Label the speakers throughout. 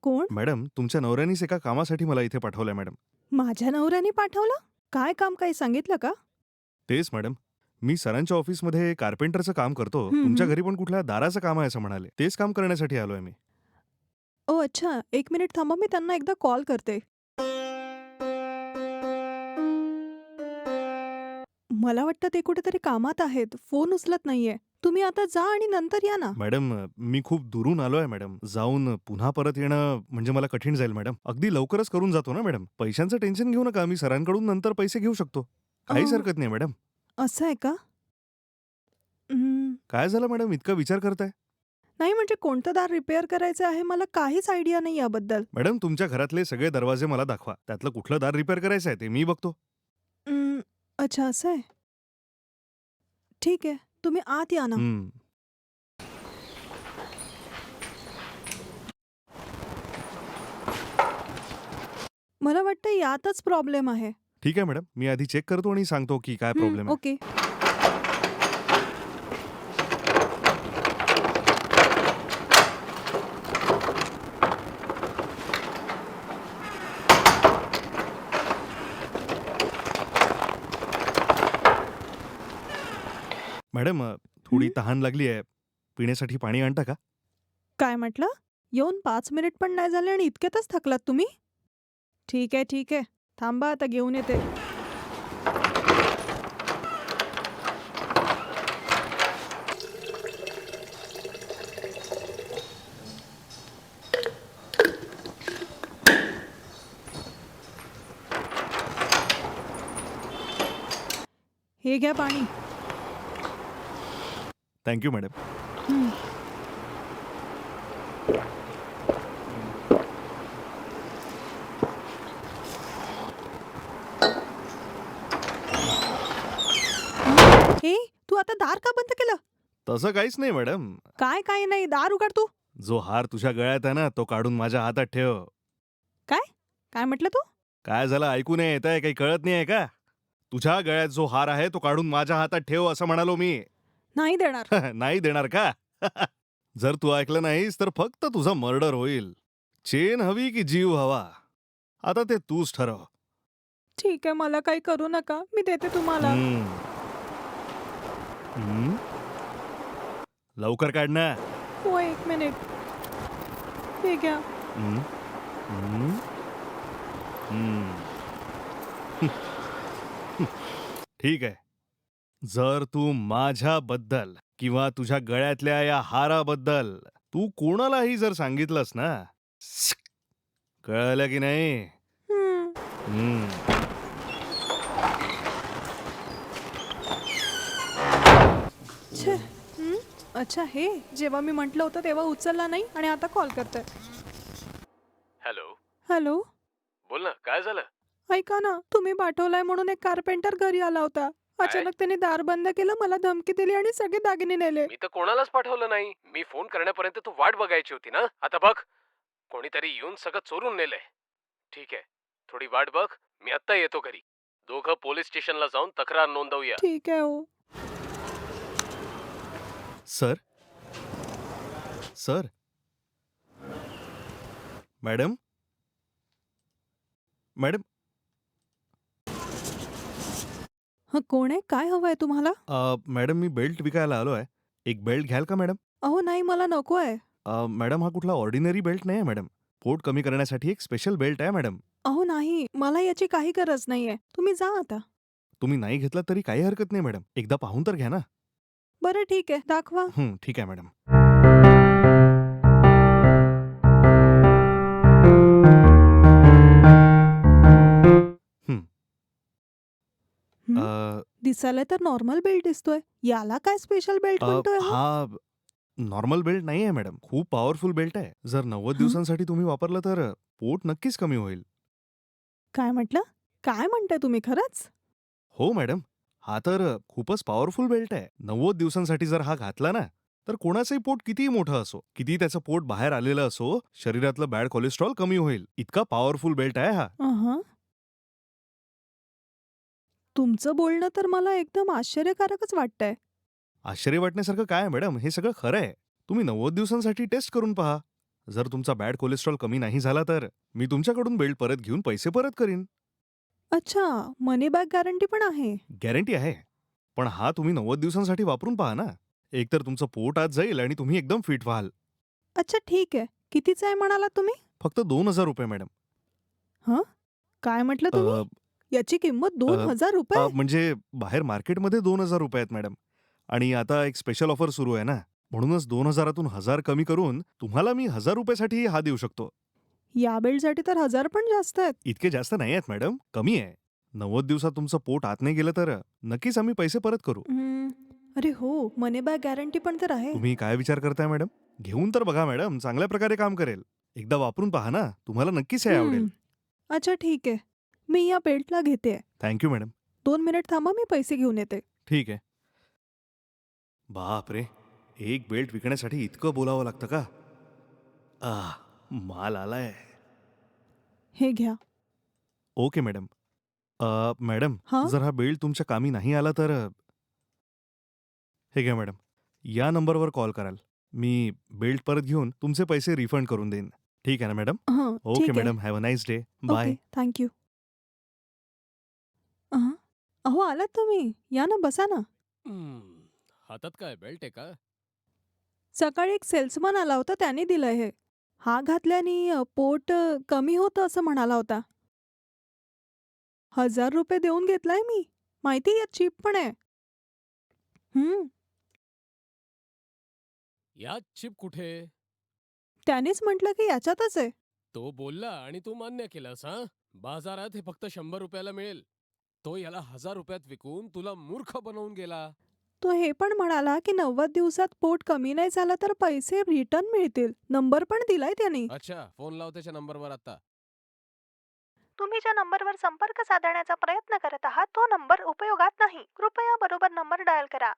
Speaker 1: कोण?
Speaker 2: मॅडम, तुमच्या नवऱ्यानीच एका कामासाठी मला इथे पाठवलंय मॅडम.
Speaker 1: माझ्या नवऱ्याने पाठवलं? काय काम, काही सांगितलं का?
Speaker 2: तेच मॅडम. मी सरांच्या ऑफिसमध्ये कार्पेंटरचं काम करतो.
Speaker 1: हं,
Speaker 2: तुमच्या
Speaker 1: हं.
Speaker 2: घरी पण कुठल्या दाराचं काम आहे असं म्हणाले. तेच काम करण्यासाठी आलोय मी.
Speaker 1: ओह अच्छा, 1 मिनिट थांबा, मी त्यांना एकदा कॉल करते. मला वाटतं ते कुठेतरी कामात आहेत. फोन उचलत नाहीये. तुम्ही आता जा आणि नंतर या ना.
Speaker 2: मॅडम, मी खूप दुरून आलोय मॅडम. जाऊन पुन्हा परत येणं म्हणजे मला कठीण जाईल मॅडम. अगदी लवकरच करून जातो ना मॅडम. पैशांचं टेन्शन घेऊ नका. मी सरांकडून नंतर पैसे घेऊ शकतो. काहीच
Speaker 1: अ,
Speaker 2: हरकत नाही मॅडम.
Speaker 1: असं आहे का? हं.
Speaker 2: काय झालं मॅडम, इतका विचार करताय?
Speaker 1: नाही म्हणजे कोणतं दार रिपेअर करायचं आहे मला काहीच आयडिया नाही याबद्दल.
Speaker 2: मॅडम, तुमच्या घरातले सगळे दरवाजे मला दाखवा. त्यातलं कुठलं दार रिपेअर करायचं आहे ते मी बघतो.
Speaker 1: अं, अच्छा असं आहे. ठीक आहे. तुम्ही आत या ना.
Speaker 2: हं.
Speaker 1: मला वाटतं यातच प्रॉब्लेम आहे.
Speaker 2: ठीक आहे मॅडम. मी आधी चेक करतो आणि सांगतो की काय प्रॉब्लेम आहे.
Speaker 1: ओके.
Speaker 2: मॅडम, थोडी
Speaker 1: हं.
Speaker 2: तहान लागली आहे. पिण्यासाठी पाणी आणता का?
Speaker 1: काय म्हटलं? येऊन 5 मिनिट पण नाही झाले आणि इतक्यातच थकलात तुम्ही? ठीक आहे, ठीक आहे. थांबा आता घेऊन येते. हे घ्या पाणी.
Speaker 2: Thank you madam.
Speaker 1: हं. हे, तू आता दार का बंद केलं?
Speaker 2: तसं काहीच नाही मॅडम.
Speaker 1: काय नाही, दार उघड तू.
Speaker 2: जो हार तुझ्या गळ्यात आहे ना, तो काढून माझ्या हातात ठेव.
Speaker 1: काय? काय म्हटलं तू?
Speaker 2: काय झालं, ऐकू नाही येतंय? काही कळत नाहीये का? तुझ्या गळ्यात जो हार आहे तो काढून माझ्या हातात ठेव असं म्हणालो मी.
Speaker 1: नाही देणार.
Speaker 2: नाही देणार का? जर तू ऐकलं नाहीस तर फक्त तुझा मर्डर होईल. चेन हवी की जीव हवा? आता ते तूच ठरव.
Speaker 1: ठीक आहे, मला काही करू नका. मी देते तुम्हाला.
Speaker 2: हम्म. हम्म. लवकर काढ ना.
Speaker 1: हो, 1 मिनिट. हे घ्या.
Speaker 2: हम्म. हम्म. हम्म. ठीक आहे. जर तू माझ्याबद्दल किंवा तुझ्या गळ्यातल्या या हाराबद्दल तू कोणालाही जर सांगितलंस ना, कळलं की नाही?
Speaker 1: हं.
Speaker 2: हम्म.
Speaker 1: छे. हं. अच्छा हे, जेव्हा मी म्हटलं होतं तेव्हा उचलला नाही आणि आता कॉल करतोय.
Speaker 3: हॅलो.
Speaker 1: हॅलो?
Speaker 3: बोल ना, काय झालं?
Speaker 1: ऐका ना, तुम्ही पाठवलाय म्हणून एक कार्पेंटर घरी आला होता. अचानक त्याने दार बंद केलं, मला धमकी दिली आणि सगळे दागिने नेले.
Speaker 3: मी तर कोणालाच पाठवलं नाही. मी फोन करण्यापर्यंत तू वाट बघायची होती ना. आता बघ, कोणीतरी येऊन सगळं चोरून नेलंय. ठीक आहे, थोडी वाट बघ. मी आत्ता येतो घरी. दोघं पोलीस स्टेशनला जाऊन तक्रार नोंदवूया.
Speaker 1: ठीक आहे हो.
Speaker 2: सर? सर? मॅडम? मॅडम?
Speaker 1: हं, कोण आहे? काय हवंय तुम्हाला?
Speaker 2: मॅडम, मी बेल्ट विकायला आलो आहे. एक बेल्ट घ्याल का मॅडम?
Speaker 1: अहो नाही, मला नको आहे.
Speaker 2: मॅडम, हा कुठला ऑर्डिनरी बेल्ट नाही आहे मॅडम. पोट कमी करण्यासाठी एक स्पेशल बेल्ट आहे मॅडम.
Speaker 1: अहो नाही, मला याची काही गरज नाहीये. तुम्ही जा आता.
Speaker 2: तुम्ही नाही घेतला तरी काही हरकत नाही मॅडम. एकदा पाहून तर घ्या ना.
Speaker 1: बरं ठीक आहे, दाखवा.
Speaker 2: ठीक आहे मॅडम. हं.
Speaker 1: हं?
Speaker 2: अ,
Speaker 1: दिसायला तर नॉर्मल बेल्ट दिसतोय. याला काय स्पेशल बेल्ट म्हणतोय हा?
Speaker 2: हा नॉर्मल बेल्ट नाही आहे मॅडम. खूप पॉवरफुल बेल्ट आहे. जर 90
Speaker 1: हं?
Speaker 2: दिवसांसाठी तुम्ही वापरलं तर पोट नक्कीच कमी होईल.
Speaker 1: काय म्हटलं? काय म्हणताय तुम्ही खरंच?
Speaker 2: हो मॅडम. हा तर खूपच पॉवरफुल बेल्ट आहे. 90 दिवसांसाठी जर हा घातला ना, तर कोणाचंही पोट कितीही मोठं असो, कितीही त्याचं पोट बाहेर आलेलं असो, शरीरातलं बॅड कोलेस्ट्रॉल कमी होईल. इतका पॉवरफुल बेल्ट आहे हा.
Speaker 1: अहं. तुमचं बोलणं तर मला एकदम आश्चर्यकारकच वाटतंय.
Speaker 2: आश्चर्य वाटण्यासारखं काय आहे मॅडम? हे सगळं खरं आहे. तुम्ही 90 दिवसांसाठी टेस्ट करून पहा. जर तुमचा बॅड कोलेस्ट्रॉल कमी नाही झाला तर मी तुमच्याकडून बेल्ट परत घेऊन पैसे परत करीन.
Speaker 1: अच्छा, मनी बॅक गॅरंटी पण आहे.
Speaker 2: गॅरंटी आहे. पण हा तुम्ही 90 दिवसांसाठी वापरून पहा ना. एकतर तुमचं पोट आत जाईल आणि तुम्ही एकदम फिट व्हाल.
Speaker 1: अच्छा ठीक आहे. कितीचं आहे म्हणालात तुम्ही?
Speaker 2: फक्त ₹2000 मॅडम.
Speaker 1: हं? काय म्हटलं तुम्ही?
Speaker 2: अ,
Speaker 1: याची किंमत
Speaker 2: अ,
Speaker 1: ₹2000?
Speaker 2: म्हणजे बाहेर मार्केटमध्ये ₹2000 आहेत मॅडम. आणि आता एक स्पेशल ऑफर सुरू आहे ना. म्हणूनच 2000तून 1000 कमी करून तुम्हाला मी ₹1000 साठी हा देऊ शकतो.
Speaker 1: या बेल्टसाठी तर 1000 पण जास्त आहेत.
Speaker 2: इतके जास्त नाही आहेत मॅडम, कमी आहे. 90 दिवसात तुमचं पोट आत नाही गेलं तर नक्कीच आम्ही पैसे परत करू.
Speaker 1: अरे हो, मनी बॅक गॅरंटी पण तर आहे.
Speaker 2: तुम्ही काय विचार करताय मॅडम? घेऊन तर बघा मॅडम, चांगल्या प्रकारे काम करेल. एकदा वापरून पहा ना, तुम्हाला नक्कीच हे आवडेल.
Speaker 1: अच्छा ठीक आहे. मी या बेल्टला घेते.
Speaker 2: Thank you madam.
Speaker 1: 2 मिनिट थांबा, मी पैसे घेऊन येते.
Speaker 2: ठीक आहे. बापरे! एक बेल्ट विकण्यासाठी इतकं बोलावं लागतं का? माल आलाय.
Speaker 1: हे घ्या.
Speaker 2: Okay madam. मॅडम,
Speaker 1: हां?
Speaker 2: जर हा बेल्ट तुमच्या कामी नाही आला तर हे घ्या मॅडम. या नंबरवर कॉल कराल. मी बेल्ट परत घेऊन तुमचे पैसे रिफंड करून देईन. ठीक आहे ना मॅडम?
Speaker 1: हं,
Speaker 2: ओके
Speaker 1: ठीक आहे.
Speaker 2: Madam. Have a nice day. Bye.
Speaker 1: Okay, thank you. अहो आलात तुम्ही. या ना, बसा ना.
Speaker 3: हातात काय बेल्ट आहे का?
Speaker 1: सकाळी एक सेल्समन आला होता, त्याने दिलंय हे. हा घातल्याने पोट कमी होतं असं म्हणाला होता. ₹1000 देऊन घेतलाय मी. माहिती यात चीप पण आहे. हं,
Speaker 3: यात चिप कुठे?
Speaker 1: त्यानेच म्हटलं की याच्यातच आहे.
Speaker 3: तो बोलला आणि तू मान्य केलंस हा? बाजारात हे फक्त ₹100 मिळेल. तो याला ₹1000 विकून तुला मूर्ख बनवून गेला.
Speaker 1: तो हे पण म्हणाला की 90 दिवसात पोट कमी नाही झालं तर पैसे रिटर्न मिळतील. नंबर पण दिलाय त्याने.
Speaker 3: अच्छा, फोन लाव त्याच्या नंबरवर आता.
Speaker 1: तुम्ही ज्या नंबरवर संपर्क साधण्याचा प्रयत्न करत आहात तो नंबर उपयोगात नाही. कृपया बरोबर नंबर डायल करा.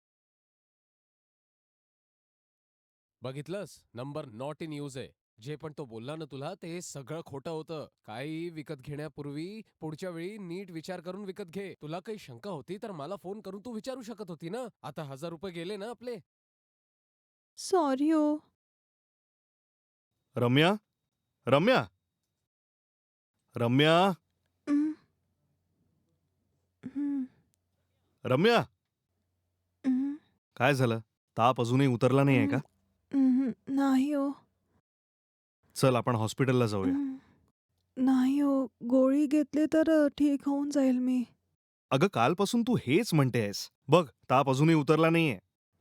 Speaker 3: बघितलंस? नंबर नॉट इन यूज आहे. जे पण तो बोलला ना तुला ते सगळं खोटं होतं. काही विकत घेण्यापूर्वी पुढच्या वेळी नीट विचार करून विकत घे. तुला काही शंका होती तर मला फोन करून तू विचारू शकत होती ना. आता ₹1000 गेले ना आपले.
Speaker 1: सॉरी हो.
Speaker 2: रम्या? रम्या? रम्या?
Speaker 1: हं, हं,
Speaker 2: रम्या?
Speaker 1: हं,
Speaker 2: काय झालं? ताप अजूनही उतरला नाहीये का?
Speaker 1: नाही हो.
Speaker 2: चल आपण हॉस्पिटलला जाऊया.
Speaker 1: नाही हो. गोळी घेतली तर ठीक होऊन जाईल मी.
Speaker 2: अगं कालपासून तू हेच म्हणतेयस. बघ, ताप अजूनही उतरला नाहीये.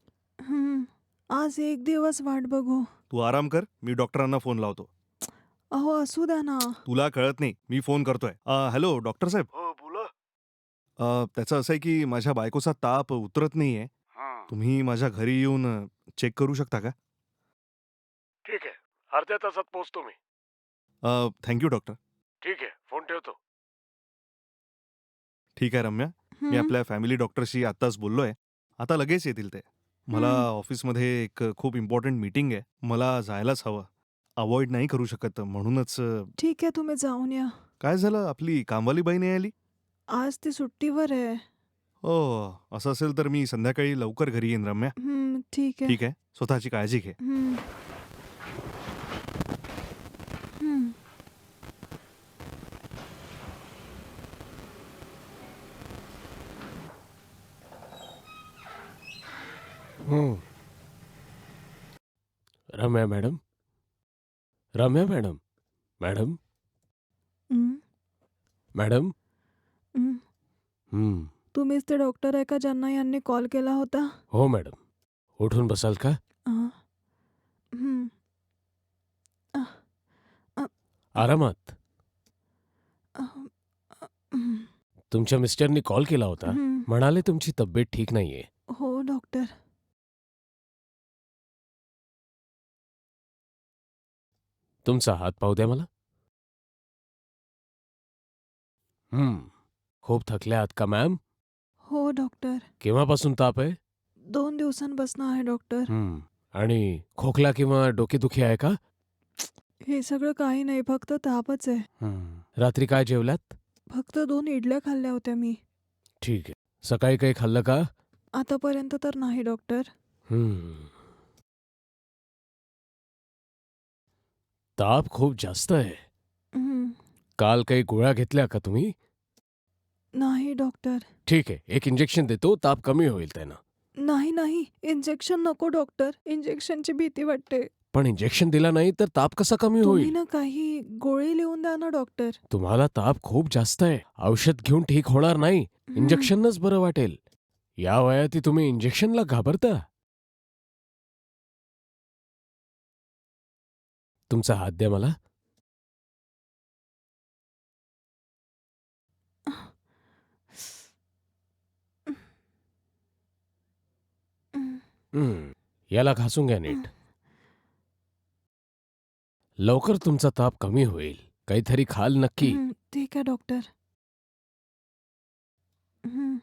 Speaker 1: आज एक दिवस वाट बघू.
Speaker 2: तू आराम कर. मी डॉक्टरांना फोन लावतो.
Speaker 1: अहो असू द्या ना.
Speaker 2: तुला कळत नाही. मी फोन करतोय. हॅलो डॉक्टर साहेब.
Speaker 4: हो बोला.
Speaker 2: त्याचं असं आहे की माझ्या बायकोचा ताप उतरत नाहीये.
Speaker 4: हां.
Speaker 2: तुम्ही माझ्या घरी येऊन चेक करू शकता का?
Speaker 4: ठीक आहे. अर्ध्या तासात पोहोचतो मी.
Speaker 2: Thank you doctor.
Speaker 4: ठीक आहे. फोन ठेवतो.
Speaker 2: ठीक आहे रम्या. मी आपल्या फॅमिली डॉक्टरशी आत्ताच बोललोय. आता लगेच येतील ते. मला ऑफिसमध्ये एक खूप इम्पॉर्टंट मीटिंग आहे. मला जायलाच हवं. अव्हॉइड नाही करू शकत म्हणूनच
Speaker 1: ठीक आहे, तुम्ही जाऊन या.
Speaker 2: काय झालं आपली कामवाली बाई नाही आली?
Speaker 1: आज ती सुट्टीवर आहे.
Speaker 2: असं असेल तर मी संध्याकाळी लवकर घरी येईन रम्या.
Speaker 1: ठीक आहे.
Speaker 2: ठीक आहे. स्वतःची काळजी घे.
Speaker 1: हं. हं.
Speaker 3: Ramya madam? Ramya madam? Madam?
Speaker 1: हं.
Speaker 3: मॅडम?
Speaker 1: हं. तुम्हीच ते डॉक्टर आहे का ज्यांना यांनी कॉल केला होता?
Speaker 3: हो मॅडम. उठून बसाल का?
Speaker 1: हं.
Speaker 3: आरामात.
Speaker 1: हं.
Speaker 3: तुमच्या मिस्टरनी कॉल केला होता. म्हणाले तुमची तब्येत ठीक नाहीये.
Speaker 1: हो डॉक्टर.
Speaker 3: तुमचा हात पाहू द्या मला. खूप थकल्या आहात का मॅम?
Speaker 1: हो डॉक्टर.
Speaker 3: केव्हापासून ताप आहे?
Speaker 1: 2 दिवसांपासून आहे डॉक्टर.
Speaker 3: आणि खोकला किंवा डोकेदुखी आहे का?
Speaker 1: हे सगळं काही नाही, फक्त तापच आहे.
Speaker 3: रात्री काय जेवलात?
Speaker 1: फक्त 2 इडल्या खाल्ल्या होत्या मी.
Speaker 3: ठीक आहे. सकाळी काही खाल्लं का?
Speaker 1: आतापर्यंत तर नाही डॉक्टर.
Speaker 3: ताप खूप जास्त आहे.
Speaker 1: हं.
Speaker 3: काल काही गोळ्या घेतल्या का तुम्ही?
Speaker 1: नाही डॉक्टर.
Speaker 3: ठीक आहे, एक इंजेक्शन देतो, ताप कमी होईल त्यानं.
Speaker 1: नाही, नाही. इंजेक्शन नको डॉक्टर. इंजेक्शनची भीती वाटते.
Speaker 3: पण इंजेक्शन दिला नाही तर ताप कसा कमी
Speaker 1: तुम्ही
Speaker 3: होईल?
Speaker 1: ना काही गोळी लिहून द्या ना डॉक्टर.
Speaker 3: तुम्हाला ताप खूप जास्त आहे. औषध घेऊन ठीक होणार नाही.
Speaker 1: हं.
Speaker 3: इंजेक्शनच बरं वाटेल. या वयात तुम्ही इंजेक्शनला घाबरता? तुमचा हात द्या मला. याला घासून घ्या नीट. लवकर तुमचा ताप कमी होईल. काहीतरी खाल नक्की.
Speaker 1: ठीक आहे डॉक्टर. हं.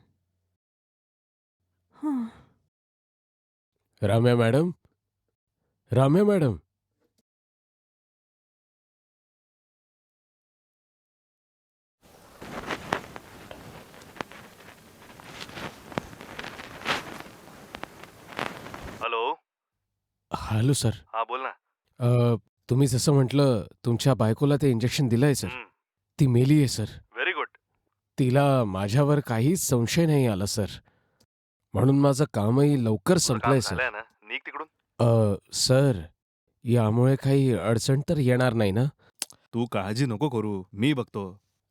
Speaker 1: हां.
Speaker 3: Ramya madam, Ramya madam.
Speaker 2: Hello.
Speaker 3: Hello sir.
Speaker 2: हा बोल ना.
Speaker 3: तुम्ही जसं म्हटलं तुमच्या बायकोला ते इंजेक्शन दिलंय सर. ती मेली आहे सर.
Speaker 2: Very good.
Speaker 3: तिला माझ्यावर काहीच संशय नाही आला सर. म्हणून माझं कामही लवकर संपलंय सर.
Speaker 2: ना, निघ तिकडून.
Speaker 3: सर, यामुळे काही अडचण तर येणार नाही ना?
Speaker 2: तू काळजी नको करू, मी बघतो.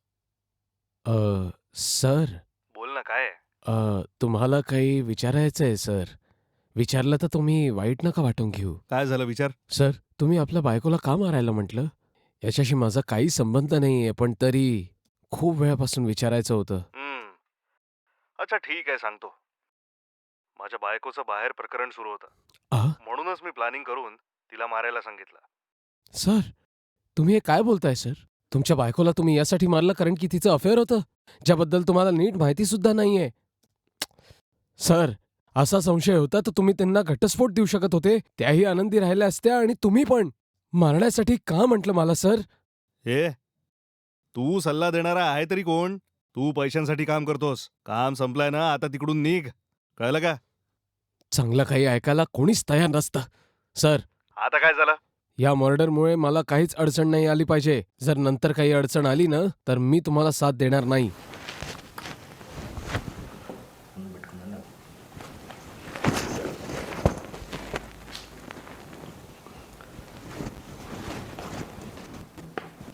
Speaker 3: सर,
Speaker 2: बोल ना, काय आहे?
Speaker 3: तुम्हाला काही विचारायचं आहे सर. विचारलं तर तुम्ही वाईट नका वाटून घेऊ.
Speaker 2: काय झालं, विचार.
Speaker 3: सर, तुम्ही आपल्या बायकोला का मारायला म्हटलं? याच्याशी माझा काही संबंध नाहीये, पण तरी खूप वेळापासून विचारायचं होतं.
Speaker 2: अच्छा ठीक आहे, सांगतो. माझ्या बायकोचं बाहेर प्रकरण सुरू होतं,
Speaker 3: आ?
Speaker 2: म्हणूनच मी प्लॅनिंग करून तिला मारायला सांगितलं.
Speaker 3: सर, तुम्ही हे काय बोलताय सर? तुमच्या बायकोला तुम्ही यासाठी मारलं कारण की तिचं अफेअर होतं, ज्याबद्दल तुम्हाला नीट माहिती सुद्धा नाहीये. सर, असा संशय होता तर तुम्ही त्यांना घटस्फोट देऊ शकत होते. त्याही आनंदी राहिल्या असत्या आणि तुम्ही पण. मारण्यासाठी का म्हटलं मला सर?
Speaker 2: हे, तू सल्ला देणारा आहे तरी कोण? तू पैशांसाठी काम करतोस. काम संपलंय ना, आता तिकडून निघ. कळलं का?
Speaker 3: चांगलं काही ऐकायला कोणीच तयार नसतं. सर,
Speaker 2: आता काय झालं?
Speaker 3: या मर्डरमुळे मला काहीच अडचण नाही आली पाहिजे. जर नंतर काही अडचण आली ना तर मी तुम्हाला साथ देणार नाही.